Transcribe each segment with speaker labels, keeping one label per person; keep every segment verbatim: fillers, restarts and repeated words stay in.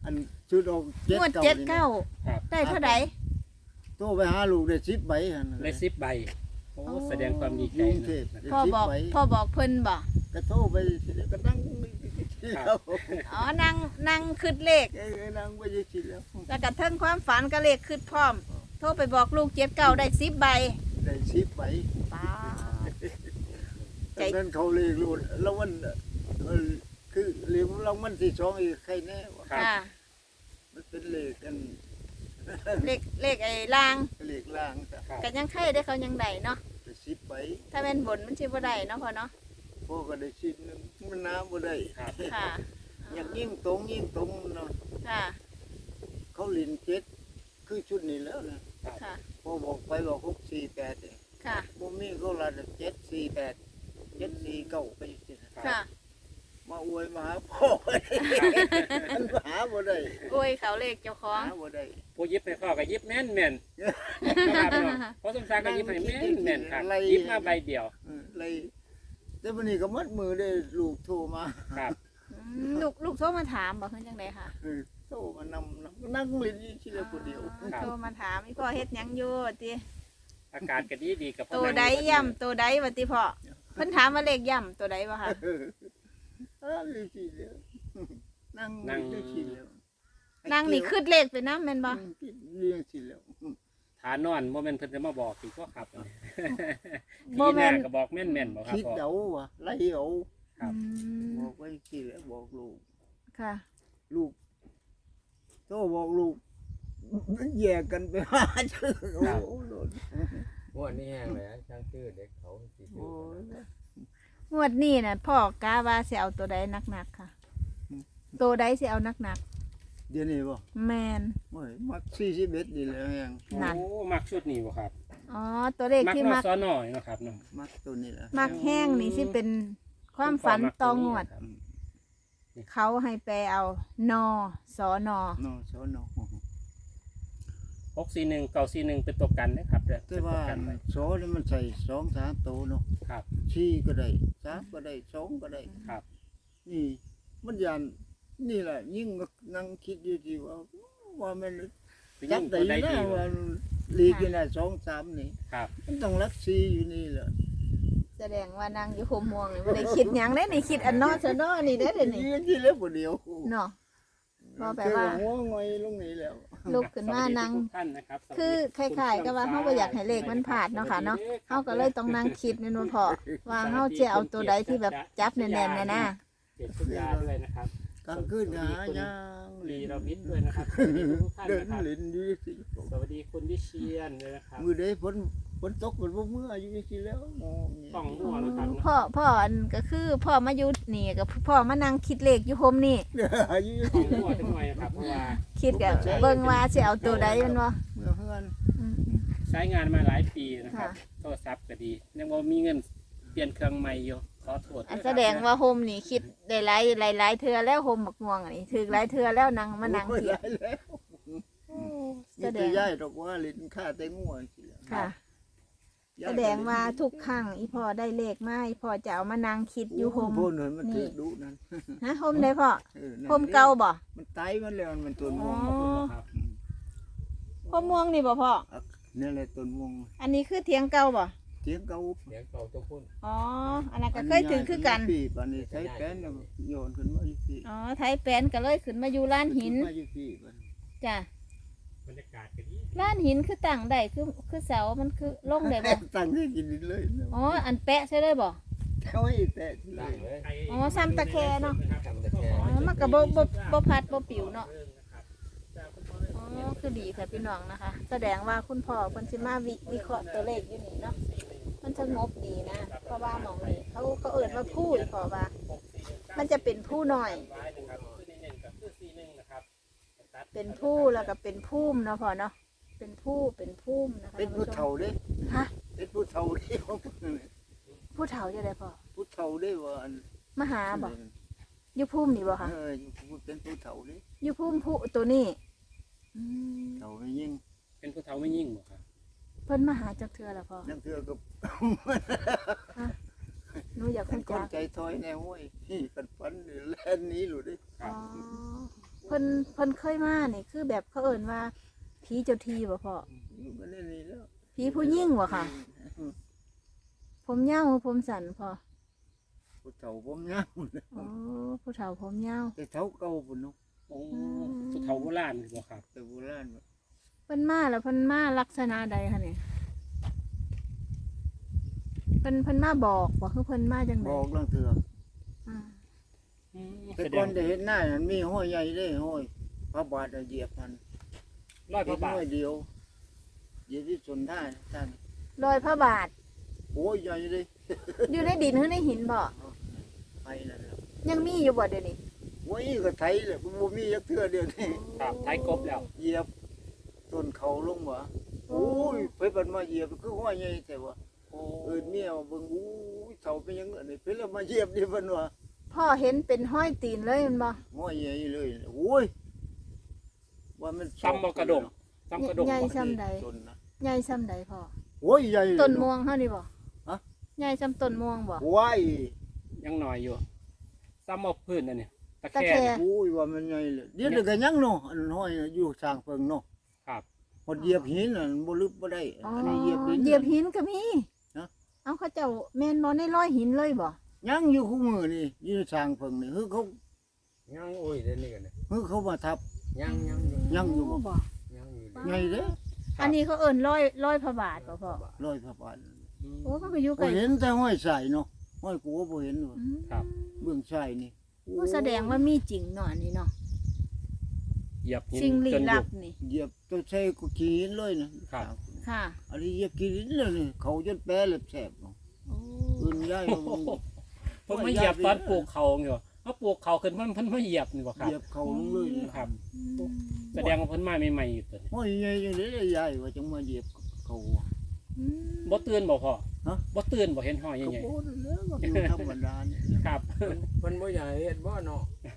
Speaker 1: อันชุดออกเจ็ด
Speaker 2: งวด
Speaker 1: เก้า
Speaker 2: เจ็ด
Speaker 1: นี่นะ
Speaker 2: เก้า
Speaker 3: ครับ
Speaker 2: ได้เท่าไหร่
Speaker 1: โทรไปหาลูกได้สิบใบหั่น
Speaker 3: ได้สิบใบโอ้
Speaker 2: โอ้
Speaker 3: แสดงความดีใจ
Speaker 1: กรุงเทพ
Speaker 3: นะ
Speaker 2: พ่อบอกพ่อบอกเพิ่นบ่
Speaker 1: ก็โทรไปก็นั่งแล้ว
Speaker 2: อ๋อนั่งนั่งคิดเลข
Speaker 1: เอ้ยนั่งไปยังสิแล้ว
Speaker 2: แล้วก็เทิงความฝันก็เลขคิดพร้อม โทรไปบอกลูกเจ็ดเก้าได้สิบใบ
Speaker 1: ได้สิบใบ
Speaker 2: ป้าด ใจ
Speaker 1: จากนั้นเขาเลยรู้แล้วมันเออคือเรียกเรามันที่สองอีกใครแน่วะ
Speaker 3: ครับ
Speaker 2: ค่ะ
Speaker 1: มันเป็นเลขกัน
Speaker 2: เลขเลขไอ้ลาง
Speaker 1: เลขล่างแต่
Speaker 3: ครับ
Speaker 2: ก็ยังไข่ได้เขายังได้เนาะ
Speaker 1: ได้สิบใบ
Speaker 2: ถ้าแม่นบนมันสิบ่ได้เนาะพ่อเนาะ
Speaker 1: พ่อก็ได้ชิ้นหนึงมันน้ำบ่ได้
Speaker 3: ครับ
Speaker 2: ค่ะ
Speaker 1: อยากยิ่งตรงยิ่งตรงเนาะ
Speaker 2: ค่ะ
Speaker 1: เขาลินเจ็ดคือชุดนี้แล้วนะ
Speaker 2: ค่ะ
Speaker 1: พ่อบอกไปบอกหกสี่แปดเนี่ย
Speaker 2: ค่ะ
Speaker 1: บ่มีเขาละเจ็ดสี่แปดเจ็ดสี่เก้าไปสินะ
Speaker 2: ค่ะ
Speaker 1: มาอวยมาหาพ่อ มันหาบ่ได้
Speaker 2: โอ้ยเขาเลขเจ้าของ
Speaker 1: หาบ่ได้
Speaker 3: ผู้ยิบให้พ่อก็ยิบแม่นแม่นนะครับเนาะเพราะสมศักดิ์ก็ยิบให้แม่นแม่นครับยิบมาใบเดียว
Speaker 1: เออเลยแต่วันนี้ก็มัดมือได้ลูกโทรมา
Speaker 3: ครับ
Speaker 2: อืมลูกลูกโทรมาถามบอกเพิ่นจังไดค่ะ
Speaker 1: เออโทรมานำนำนั่งเล่นอยู่ที่ละคนเดียว
Speaker 2: อ๋อโทรมาถามอีพ่อเฮ็ดหยังอยู่ติ
Speaker 3: อากาศก็ดีดีกับพ่อ
Speaker 2: ตัวใดย่ำตัวใดว่าติพ่อเพิ่นถามว่าเลขย่ำตัวใดบ่คะ
Speaker 1: เออเออเลยทีเดียวนั่งเลี้ยงทีเดียวน
Speaker 2: างนี่คืดเลขไปนำแม่นบ่
Speaker 1: นั่งกินเลี้ยงทีเดียว
Speaker 3: ฐานนอนโมเมนต์เพิ่นจะมาบอกอีกก็ครับ
Speaker 2: บ่
Speaker 3: ทีห
Speaker 2: แม่
Speaker 3: น้าน ก็บอกแม่นแม่นๆบอกครับ
Speaker 1: คิด
Speaker 3: พ่อ
Speaker 1: เดาว่ะไล่เอา
Speaker 3: ครับ
Speaker 2: อืม
Speaker 1: บอกไว้ทีแล้วบอกลูก
Speaker 2: ค่ะ
Speaker 1: ลูกโทรบอกลูกแยกกันไปหาชื่อโอ้โหโดน
Speaker 4: งวดนี้แห้งเลยช่างชื่อเด็กเขาสิชื่
Speaker 1: โอ้
Speaker 4: อย
Speaker 2: งวดนี้น่ะพ่อกาว่าสิเอาตัวใดหนักๆค่ะ ตัวใดสิเอาหนัก
Speaker 1: เดี๋ยวนี้บ่
Speaker 2: ๆแม่น
Speaker 1: โอ้ยมักสี่สิบเอ็ดนี่แหล้วยัง
Speaker 2: นั่น
Speaker 3: โอ้มักชุดนี้บ่ครับ
Speaker 2: อ๋อตัวเลข
Speaker 3: มัก
Speaker 2: ที่
Speaker 3: นอ
Speaker 2: มัก
Speaker 3: สอนอยเนาะครับเนาะ
Speaker 1: มักตัวนี้แหละ
Speaker 2: มักแห้งนี่สิเป็นความฝันตองวด
Speaker 3: ครับ
Speaker 2: เขาให้แปลเอานอสอนอ
Speaker 1: นอสอนอ
Speaker 3: หกสี่หนึ่งเก้าสี่หนึ่งเป็นตัวกันนะครับเด้อ
Speaker 1: แต่
Speaker 3: เป็นตั
Speaker 1: ว่าว
Speaker 3: กันไว้
Speaker 1: สอนี่มันใส่สองสามตัวเนาะ
Speaker 3: ครับ
Speaker 1: สี่ก็ได้สามก็ได้สองก็ได้
Speaker 3: ครับ
Speaker 1: นี่มันยันนี่แหละยิ่งนั่งคิดอยู่ที่ว่าว่ามัน
Speaker 3: เป็น
Speaker 1: จั
Speaker 3: ยิ่
Speaker 1: บ
Speaker 3: ง
Speaker 1: ได้
Speaker 3: ตัวใด
Speaker 1: นะ
Speaker 3: ดี
Speaker 1: ว่าลีกนี่สองสามนี่
Speaker 3: ครับ
Speaker 1: มันต้องรักซีอยู่นี่แหละ
Speaker 2: แสดงว่านางอยู่โฮมม่วงนี่บ่ได้คิดหยังได้นี่คิดอันนอสอนอนี่ได้อเด้อนี่
Speaker 1: ยืนที่แล้วคนเดียว
Speaker 2: เนาะ ว่าแปลว่า
Speaker 1: เจอหัวงอยลงนี่แล้ว
Speaker 2: ลุกขึ้นมานั่ง
Speaker 3: สวัสดีทุกท่านนะครับสวัสดี
Speaker 2: คือคล้ายๆกับว่าเขาบ่อยากให้เลขมันพลาดเนาะค่ะเนาะเขาก็เลยต้องนั่งคิดแม่นบ่พอว่าเฮาจะเอาตัวใดที่แบบจับแน่นๆน่ะนะ
Speaker 3: เจ็ดสุดยาด้วยนะครับ
Speaker 1: กลางคืนหายาง
Speaker 3: ลีเรามิดด้วยนะครับสวัสดีทุกท่าน
Speaker 1: เดิน
Speaker 3: นะครับ
Speaker 1: เล่นอยู่สิ
Speaker 3: สวัสดีคุณวิเชียนเลยนะครับ
Speaker 1: มือได้ฝนฝนตกฝนบ่เมื่ออยู่สิแล้วมองนี่
Speaker 3: ต้องหัวนะครับ
Speaker 2: พ่อพ่ออันก็คือพ่อมาอยู่นี่กับพ่อมานั่งคิดเลขอยู่โฮมนี่
Speaker 1: อยู่
Speaker 3: ต้องหัวจังหน่อยนะครับเพราะว่า
Speaker 2: คิดกับเบิ่งว่าสิเอาตัวใดแมันบ่
Speaker 1: เมื่อเฮือน
Speaker 2: อืม
Speaker 3: ใช้งานมาหลายปีนะครับ
Speaker 2: ค่ะ
Speaker 3: โทรศัพท์ก็ดียังบ่มีเงินเปลี่ยนเครื่องใหม่อยู่ขอโทษ
Speaker 2: อันแสดงว่าโฮมนี่คิดได้หลายหลายหลายเทื่อแล้วโฮมบักม่วงอันนี้ถึกหลายเทื่อแล้วนั่งมานั่ง
Speaker 1: โอ้ย
Speaker 2: เถียง
Speaker 1: หลายแล้ว
Speaker 2: โอ้
Speaker 1: มี
Speaker 2: แสด
Speaker 1: แต่
Speaker 2: ง
Speaker 1: ย้ายดอกว่าลิ้นค่าแต่งัวสิแล้ว
Speaker 2: ค่ะ
Speaker 1: ย้ย
Speaker 2: แสดงว่าทุกครั้งอีพ่อได้เลขมาอีพ่อจะเอามานั่งคิดอยู่โฮม
Speaker 1: โพนเห็นมันถือดุนั่น
Speaker 2: ฮะโฮมได้พ่อ
Speaker 1: เออนั่น
Speaker 2: โฮมเก่าบ่
Speaker 1: มันไตมันแล้วมันต้นม่วง
Speaker 2: อ๋อ
Speaker 3: ครับ
Speaker 2: โฮมม่วงนี่บ่พ่อ
Speaker 1: นี่แหละต้นม่วง
Speaker 2: อันนี้คือเถียงเก่าบ่
Speaker 1: เถียงเก่า
Speaker 4: เสียงเก่าตัวพุ่น
Speaker 2: อ๋ออันนั้นก็เคยถือคือกัน
Speaker 1: ปีปานนี้ใช้แป้นแล้วโยนขึ้นมาอยู่พี่
Speaker 2: อ๋อไทยแปนก็เลยขึ้นมาอยู่ร้านหิน
Speaker 1: มาอยู่พี่บัด
Speaker 2: จ้ะ
Speaker 3: บรรยากาศก็ดี
Speaker 2: ร้านหินคือตั้งได้คือคือเสามันคือลงได้บ่
Speaker 1: ตั้งให้กินเลยนะ
Speaker 2: อ๋ออันแปะใช่เลยบ่
Speaker 1: เขาให้แตะที่เล
Speaker 4: ตั้ง
Speaker 1: ย
Speaker 4: เลย
Speaker 2: อ๋อซ้ำตะแคเนาะ
Speaker 4: ทำแต่แค่
Speaker 2: อ๋อมันก็บ่บ่บ่พัดบ่ปิวเนาะอ๋อคือดีค่ะพี่น้องนะคะ แสดงว่าคุณพ่อเพิ่นสิมาวิวิเคราะห์ตัวเลขอยู่นี่เนาะมันสงบดีนะเพราะว่าหมองนี้เขาเขาเอิ้นว่าผู้อีพอว่า มันจะเป็นผู้น้อย เป็นผู้แล้วก็เป็นพุ่มเนาะพ่อเนาะเป็นผู้เป็นพุ่มนะคะ
Speaker 1: เป็นผู้เฒ่าเด้
Speaker 2: ฮะ
Speaker 1: เป็นผู้เฒ่าเด้
Speaker 2: ผู้เฒ่าจะได้พ่อ
Speaker 1: ผู้เฒ่าเด้ว่าอัน
Speaker 2: มาหาบ่อยู่พุ่มนี่บ่คะ
Speaker 1: เออเป็นผู้เฒ่าเด้
Speaker 2: อยู่พุ่มผู้ตัวนี้อืม
Speaker 1: เฒ่าไม่ยิ่ง
Speaker 3: เป็นผู้เฒ่าไม่ยิ่งบ่ครับ
Speaker 2: เพิ่นมาหาจักเทื่อแล้วพ่อ
Speaker 1: นั่นเถื่อกับ
Speaker 2: หนูอยาก
Speaker 1: เป็
Speaker 2: คุ
Speaker 1: น
Speaker 2: ณ
Speaker 1: คน
Speaker 2: จัก
Speaker 1: ใจถอยแนวห้วยนี่กันฟันแล่นนี้หลุดดิ
Speaker 2: อ๋อเพิ่นพิ่นเพิ่นเคยมานี่คือแบบเขาเอิ้นว่าผีเจ้าที่บ่พ่อ
Speaker 1: อยู่กันได้นี่แล้ว
Speaker 2: ผีผู้หญิงบ่ค่ะ ผมยาวหรือผมสั้นพ่อ
Speaker 1: ผู้เฒ่าผมยาว
Speaker 2: อ๋อผู้เฒ่าผมยาว
Speaker 1: แต่เฒ่าเก่าพุ่นเนาะ
Speaker 3: โอ้สุดเฒ่าโบราณบ่ครับ
Speaker 1: แต่โบราณ
Speaker 2: เพิ่นมาแล้วเพิ่นมาลักษณะใดคะเนี่ยเพิ่นเพิ่นมาบอกบ่คือเพิ่นมาจังได
Speaker 1: บอกเรื่องเถื่อ
Speaker 2: อ่า
Speaker 3: อืม
Speaker 1: แต่
Speaker 3: แสด
Speaker 1: ก่อง นได้เห็นหน้านั้นมีห้อยใหญ่เด้ห้อยพระบาทเหยียบมัน
Speaker 3: ร้อยพ
Speaker 1: เห็
Speaker 3: ระ
Speaker 1: น
Speaker 3: บาท
Speaker 1: ห้อยเดียวเหยียบที่สนท่าท่าน
Speaker 2: รอยพระบาท
Speaker 1: โอ้ยใหญ่เลย
Speaker 2: อยู่ในดินหรือในหินบ่
Speaker 1: ไปนั่นแหละ
Speaker 2: ยังมีอยู่บ่เดี๋ยวนี้
Speaker 1: โอ้ยก็ไถเลยบ่มียักเทื่อเดียวนี่
Speaker 3: ครับไทยกบแล้ว
Speaker 1: เหยียบต้นเขาลงวะโอ้ยไปบัดมาเหยียบคือห้อยใหญ่แต่ว่า
Speaker 3: โอ้
Speaker 1: เอิ้นเมียมาเบิ่งอู้ยเฒ่าเป็นหยังอันนี้เพิ่นแล้วมาเหยียบนี่เพิ่นว่า
Speaker 2: พ่อเห็นเป็นห้อยตีนเลยแมันบ่
Speaker 1: ห้อยใหญ่เลยโอ้ยว่ามัน
Speaker 3: ซ้ำบ่กระดงซ้ำกระดง
Speaker 2: ใหญ่
Speaker 3: บ่
Speaker 2: ซ้ำใด
Speaker 1: ต้นนะ
Speaker 2: ใหญ่ซ้ำใดพ่อ
Speaker 1: โอ้ยใหญ่เลย
Speaker 2: ต้นม่วงเฮานี่บ่
Speaker 1: ฮะ
Speaker 2: ใหญ่ซ้ำต้นม่วงบ่
Speaker 1: ว้าย
Speaker 3: ยังน้อยอยู่ซ้ำเอาพื้นอันนี้ตะ
Speaker 2: ตะ
Speaker 3: แค
Speaker 2: แค
Speaker 3: ง
Speaker 2: ง
Speaker 1: โอ้ยว่ามันใหญ่เลยเดี๋ยวเดี๋ยวก็ยังเนาะอันห้อยอยู่สร้างเพิ่งเนาะ
Speaker 3: ครับ
Speaker 1: พอเหยียบหินน่ะมันบ่ลึกบ่ได้
Speaker 2: อ๋อ
Speaker 1: อันนี้เหยียบดิน
Speaker 2: เหยียบหินก็มี
Speaker 1: ฮะ
Speaker 2: เอาเขาเจ้าแม่นบ่ในร้อยหินเลยบ่
Speaker 1: ยังอยู่คู่มือนี่อยู่สร้างเพิ่งนี่คือเขา
Speaker 4: ยังโอ้ยเดี๋ยวนี้กันเนี่ย
Speaker 1: คือเขามาทับ
Speaker 4: ยังยังอยู่
Speaker 1: ยังอยู่บ่
Speaker 2: บ่
Speaker 4: ยังอยู่
Speaker 1: ใหญ่เด้อ
Speaker 2: อันนี้เขาเอิ้นร้อยร้อยพระบาทบ่พ่อ
Speaker 1: ร้อยพระบาท
Speaker 2: โอ้มันก็อยู่ใก
Speaker 1: บ่
Speaker 2: ล้
Speaker 1: เห็นแต่ห้อยใส่เนาะห้อยกูก็บ่เห็นว่า
Speaker 2: อืม
Speaker 3: ครับ
Speaker 1: เบื้องใส่นี่
Speaker 2: โอ้แสดงว่ามีจริงเนาะอันนี้เนาะ
Speaker 3: เหยียบหิน
Speaker 2: สิ่งลี้
Speaker 3: จน
Speaker 2: ลั
Speaker 3: ยุ
Speaker 2: บบ นี่
Speaker 1: เหยียบตัวใส่ก็ขี้หินเลยนะครับ
Speaker 2: ค่ะ
Speaker 1: อันนี้เหยียบขี้หินเลยนี่เขาจนแปรเล็บแสบเนาะ
Speaker 2: โอ้
Speaker 1: อื่นย้ายมาบ่ง
Speaker 3: เพิ่นมาเหยียบตอนปลูกเขาอยู่เขาปลูกเขาขึ้นเพิ่นเพิ่นมาเหยียบนี่บ่ค
Speaker 1: เห
Speaker 3: รับ
Speaker 1: ยียบเขาลงเลยนะครับ
Speaker 3: แสดงว่าเพิ่นมาใหม่ๆอยู่ตัวนี้
Speaker 1: ห้อยใหญ่จังได๋ได้ยายว่าจังมาเหยียบเขา
Speaker 2: อืม
Speaker 3: บ่ตื่นบ่พ่อ
Speaker 1: ฮะ
Speaker 3: บ่ตื่นบ่เห็นห้อย
Speaker 1: ก็
Speaker 3: ใหญ่
Speaker 1: บ่นั่นแหล้วก็อยู่ธรรมดานี่
Speaker 3: ๆครับ
Speaker 4: เพิ่นบ่อยากให้เฮ็ดบ่เนาะ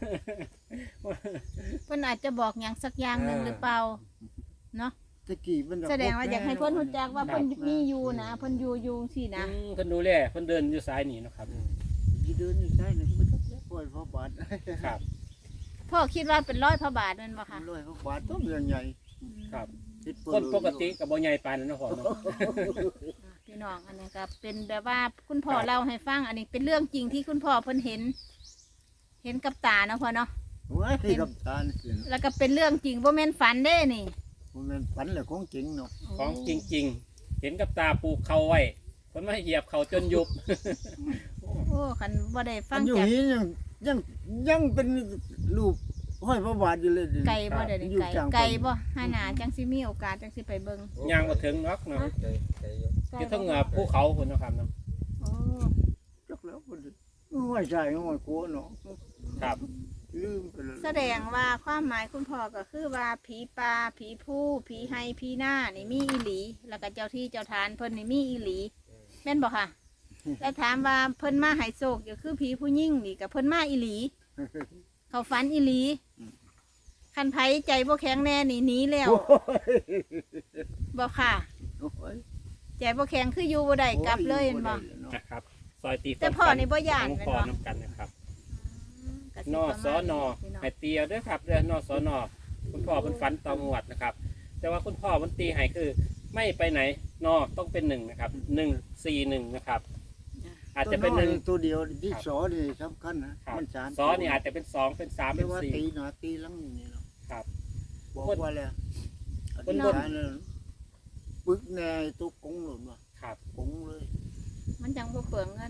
Speaker 2: เพิ่นอาจจะบอกหยังสักอย่างหนึง
Speaker 4: อ่า
Speaker 2: หรือเปล่าเนาะ
Speaker 1: ตะกี้มัน
Speaker 2: แสดงว่าอยากให้เพิ่นรู้จักว่า
Speaker 3: ครั
Speaker 2: เพิ่
Speaker 3: บ
Speaker 2: นมีอยู่นะเพิ่นอยู่อยู่สินะ
Speaker 3: อืมเพิ่นดูแลเพิ่นเดินอยู่ซ้ายนี่เนาะครับ
Speaker 1: สิเดินนี่ใช่นี่มันจักแล้วปล่อยพระบาท
Speaker 3: ครับ
Speaker 2: พ่อคิดว่าเป็นร้อยพระบาทแม่นบ่คะ
Speaker 1: ร้อยพระบาทต้องเรื่องใหญ่
Speaker 3: ครับ
Speaker 1: คิดเปิด
Speaker 3: คนปกติก็บ่ใหญ่ปานนั้นเนาะพ่อเนาะ
Speaker 2: พี่น้องอันนี้ก็เป็นแบบว่าคุณพ่อเล่าให้ฟังอันนี้เป็นเรื่องจริงที่คุณพ่อเพิ่นเห็น เห็นกับตาเนาะพ่อเนาะ
Speaker 1: โอ้ยกับทานสิ
Speaker 2: แล้วก็เป็นเรื่องจริงบ่แม่นฝันเด้นี่
Speaker 1: มันเป็นฝันแหละของจริงเนาะ
Speaker 3: ของจริง ๆ เห็นกับตาปลูกเขาไว้เพิ่นมาเหยียบเขาจนยุบ
Speaker 2: โอ้คันบ่ได้ฟั
Speaker 1: อั
Speaker 2: ง
Speaker 1: นอยู่
Speaker 2: จาก
Speaker 1: นี้ยังยังยังเป็นรูปห้อยพระบาทอยู่เลย
Speaker 2: ไก่บ่เดี๋ยวนี้
Speaker 1: อยู่
Speaker 2: ไก่
Speaker 1: กลาง
Speaker 2: ไก่บ่หาหนาจังสิมีโอกาสจังสิไปเบิ่ง
Speaker 3: ย่างบ่ถึงเนาะเนาะ
Speaker 4: ใจใจอยู่
Speaker 3: อยู่เทั้งเหนือภูเขาพุ่นเนาะครับเนาะ
Speaker 2: โอ้
Speaker 1: จักแล้วบ่ได้ห้อยใส่ห้อยโคเนาะ
Speaker 3: ครับ
Speaker 1: ลืมไปเลย
Speaker 2: แสดงว่าความหมายคุณพ่อก็คือว่าผีป่าผีผู้ผีไฮผีหน้านี่มีอีหลี แล้วก็เจ้าที่เจ้าทานเพิ่นนี่มีอีหลีแม่นบ่ค่ะ แล้วถามว่าเพิ่นมาให้โศกก็คือผีผู้หญิงนี่ก็เพิ่นมาอีหลี เขาฝันอีหลีคันไผใจบ่แข็งแน่นี่หนีแล้วบ่ค่ะ
Speaker 1: โอ้ย
Speaker 2: ใจบ่แข็งคืออยู่บ่ได้กลับเลยเห็นบ่
Speaker 3: นะครับซอยตี
Speaker 2: แต่พ่อนี่บ่ย้าน
Speaker 3: ของ
Speaker 2: แม่น
Speaker 3: พ่อ
Speaker 2: บ่
Speaker 3: นํกันนะครับ
Speaker 2: ก็สิ
Speaker 3: นอ
Speaker 2: ประ
Speaker 3: ส
Speaker 2: มา
Speaker 3: อ
Speaker 2: ณ
Speaker 3: นอ
Speaker 2: พี่น้อง
Speaker 3: ให้เตียวเด้วยครับเรือนอสอนอคุณพ่อเป็นฝันตองหวัดนะครับ แต่ว่าคุณพ่อมันตีให้คือ ไม่ไปไหนนอต้องเป็นหนึ่งนะครับหนึ่งสี่หนึ่งนะครับ อาจจะเป็นหนึ่ง
Speaker 1: ตัวเดียวที่
Speaker 3: ครับ
Speaker 1: สอนี่สำคัญนะครับ มันสาม
Speaker 3: ซอนี่อาจจะเป็นสองเป็นสาม
Speaker 1: ไม่
Speaker 3: เป็น
Speaker 1: ว่า
Speaker 3: สี่
Speaker 1: ตีหนาตีหลังนี่เนาะ
Speaker 3: ครับ
Speaker 1: บอกว่าแล้วอ
Speaker 3: คน
Speaker 1: ธิษ
Speaker 3: บน
Speaker 1: ฐานเลยปึกแน่ตัวกงหล่นว่ะ
Speaker 3: ครับ
Speaker 1: กงเลย
Speaker 2: มันจังบ่เปลืองเงิน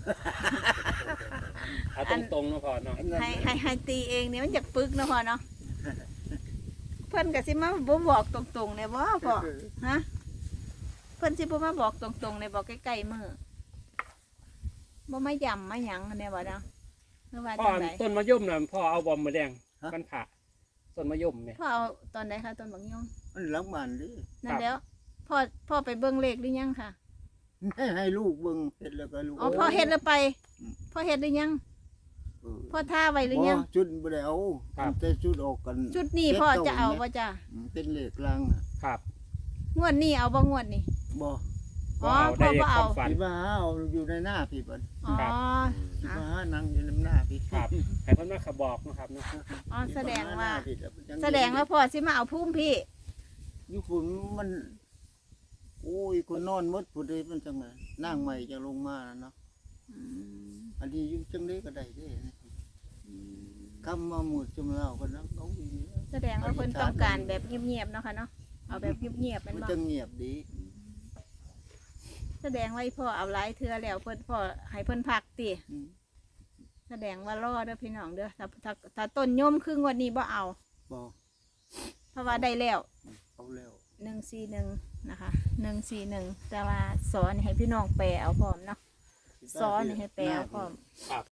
Speaker 3: เอาตรงๆเนาะพ่อเนาะ
Speaker 2: ให้ให้ให้ตีเองเนี่ยมันจะปึกเนาะพ่อเนาะ เพิ่นก็สิมาบ่บอกตรงๆเนี่ยบ่พ่อฮะเพิ่นสิบ่มาบอกตรงๆเนี่ยบอกใกล้ๆมือบ่มาย่ำมาหยังเนี่ยบ่เนาะหรือว่า
Speaker 3: พ่อ
Speaker 2: จังได
Speaker 3: ต้นมะยมน่ะพ่อเอาบอมมาแดงมันผ่าต้นมะยมเนี่ย
Speaker 2: พ่อเอาตอนใดคะต้นบักยง
Speaker 1: มันหลังบ้านดิ
Speaker 2: นั่นแล้วพ่อพ่อไปเบิ่งเลขหรือยังค่ะ
Speaker 1: ให้ให้ลูกเบิ่งเฮ็ดแล้วก็ลูก
Speaker 2: อ๋อพ่อเฮ็ดแล้วไปพ่อเฮ็ดหรือยัง
Speaker 1: เออ
Speaker 2: พ่อท่าไว้หรือยัง
Speaker 1: บ่จุดบ่ได้เอาแต่จุดออกกัน
Speaker 2: ชุดนี้พ่อจะเอาบ่จ้ะ
Speaker 1: อืมเป็นเลขลางอะ
Speaker 3: ครับ
Speaker 2: งวดนี้เอาบ่งวดนี้
Speaker 1: บ่
Speaker 2: อ๋อ
Speaker 3: บ่เอาได้
Speaker 2: พ่อบ่
Speaker 3: ค
Speaker 2: เอา
Speaker 3: วามฝัน
Speaker 1: พี่มาหาเอาอยู่ในหน้าพี่บัด
Speaker 2: อ๋อ
Speaker 3: ครับ
Speaker 1: พี่
Speaker 2: อ่ะ
Speaker 1: มาหานั่งอยู่ในหน้าพี่
Speaker 3: ครับให้เพิ่นมาขบอกนะครับเนาะ
Speaker 2: อ๋อแสดงว่า
Speaker 1: พี่มหหน้พี่
Speaker 2: แสดงว่าพ่อสิมาเอาพุ่มพี่
Speaker 1: อยู่ฝุ่นมันโอ้ยคนนอนหมดผู้ใดมันจังไงนั่งใหม่จะลงมาแล้วเนาะ
Speaker 2: อืม
Speaker 1: อันนี้อยู่จังได๋ก็ได้เด้นะคำมาหมดจุมเล่ากันนะเขาอีนี่
Speaker 2: แสดงว่าเพิ่นต้องการแบบเงียบๆเนาะค่ะเนาะเอาแบบเงียบๆเป็น
Speaker 1: มัน
Speaker 2: บ่
Speaker 1: จะเงียบดี
Speaker 2: แสดงว่าอีพ่อเอาหลายเทื่อแล้วเพิ่นพ่อให้เพิ่นพักติ
Speaker 1: อืม
Speaker 2: แสดงว่ารอเด้อพี่น้องเด้อถ้าถ้าถ้าต้นโยมครึ่งวันนี้บ่เอา
Speaker 1: บอก
Speaker 2: เพราะว่าได้แล้ว
Speaker 1: เอาแล้ว
Speaker 2: หนึ่งสี่หนึ่งนะคะหนึ่งสี่หนึ่งแต่ว่าสอนให้พี่น้องแปลเอาพร้อมเนาะสอนให้แปลเอาพร้อม
Speaker 3: ครับ